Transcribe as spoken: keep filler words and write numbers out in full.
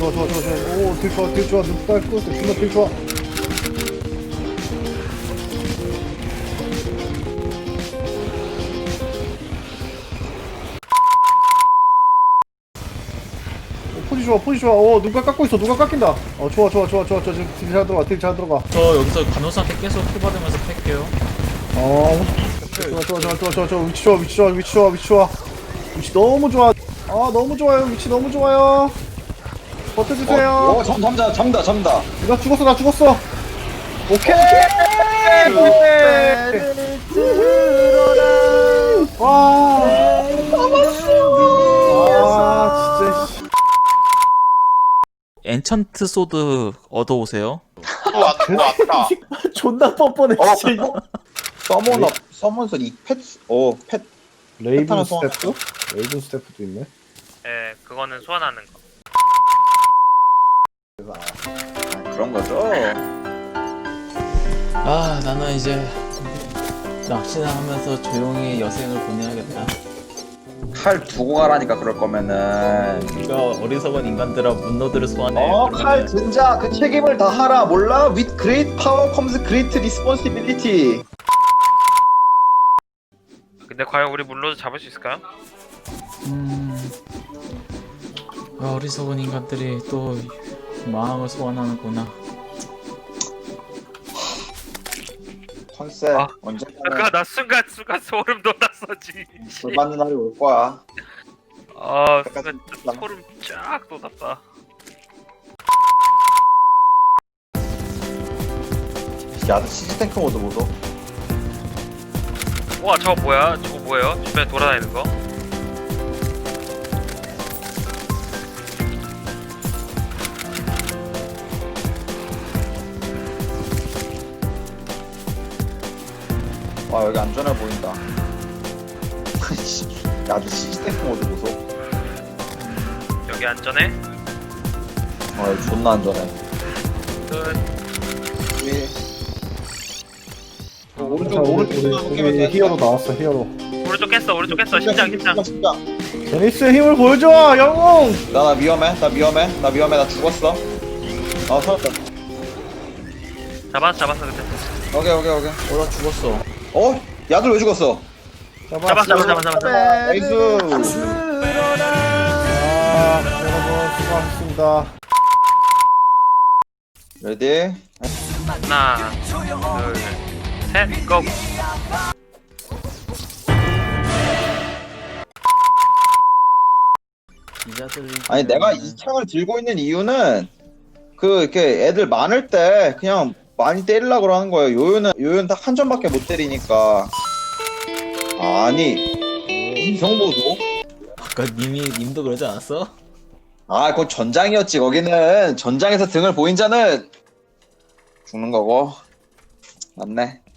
좋아 좋아 좋아 좋아. 오딜 좋아 딜 좋아 눈 빨고 존나 딜 좋아. 포지 좋아 포지 좋아. 어 누가 깎고 있어 누가 깎인다. 어 좋아 좋아 좋아 좋아. 저 지금 딜 잘 들어가 딜 잘 들어가. 저 여기서 간호사한테 계속 킬 받으면서 팰게요. 어 좋아 좋아 좋아 좋아 좋아 좋아. 위치 좋아 위치 좋아 위치 좋아 위치 좋아. 위치 너무 좋아. 아 너무 좋아요 위치 너무 좋아요. 버텨주세요. 어, 어 잠, 잠다 잠다 잠다. 나 죽었어 나 죽었어. 오케이. 와. 아 진짜. 씨. 엔찬트 소드 얻어오세요. 또 왔, 또 왔다. 존나 뻔뻔해 어, 진짜. 서머너 서머서 이 펫, 어 펫. 레이븐 하나 소환- 스태프? 레이븐 스태프도 있네. 예, 그거는 소환하는 거. 아, 그런 거죠. 아 나는 이제 낚시나 하면서 조용히 여생을 보내야겠다. 칼 두고 가라니까 그럴 거면은. 네가 어리석은 인간들아 문너들을 소환해. 어, 칼 든자 그 책임을 다 하라. 몰라? With great power comes great responsibility. 근데 과연 우리 물로도 잡을 수 있을까요? 음... 아, 어리석은 인간들이 또 마음을 소환하는구나. 컨셉 아, 언제까지 아까 나 순간 순간 소름 돋았어지. 불 받는 날이 올 거야. 아, 순간 소름 쫙 돋았다. 야드 시즈탱크 모드 보소. 와, 저거 뭐야? 저거 뭐예요? 주변에 돌아다니는 거? 와 여기 안전해 보인다. 야드 시즈탱크 모드 보소. 여기 안전해? 어 여기 존나 안전해. 끝. 자, 오른쪽 우리, 우리 히어로 나왔어 히어로. 오른쪽 깼어, 오른쪽 깼어. 심장, 심장. 심장. 제니스의 힘을 보여줘 영웅. 나, 나 위험해, 나 위험해, 나 위험해, 나 죽었어. 아, 살았다. 잡았어, 잡았어, 근데. 오케이, 오케이, 오케이. 어, 나 죽었어. 어? 야들 왜 죽었어? 잡았어, 잡았어, 잡았어, 잡았어. 나이스. 아 여러분 수고하셨습니다. 레디? 하나, 둘, 셋, 고! 기자들이 아니, 내가 이 창을 들고 있는 이유는 그, 이렇게 애들 많을 때 그냥 많이 때리려고 하는 거예요. 요요는, 요요는 딱 한 점밖에 못 때리니까. 아니, 이성보도? 아까 님이 님도 그러지 않았어? 아, 그건 전장이었지. 거기는 전장에서 등을 보인 자는 죽는 거고. 맞네.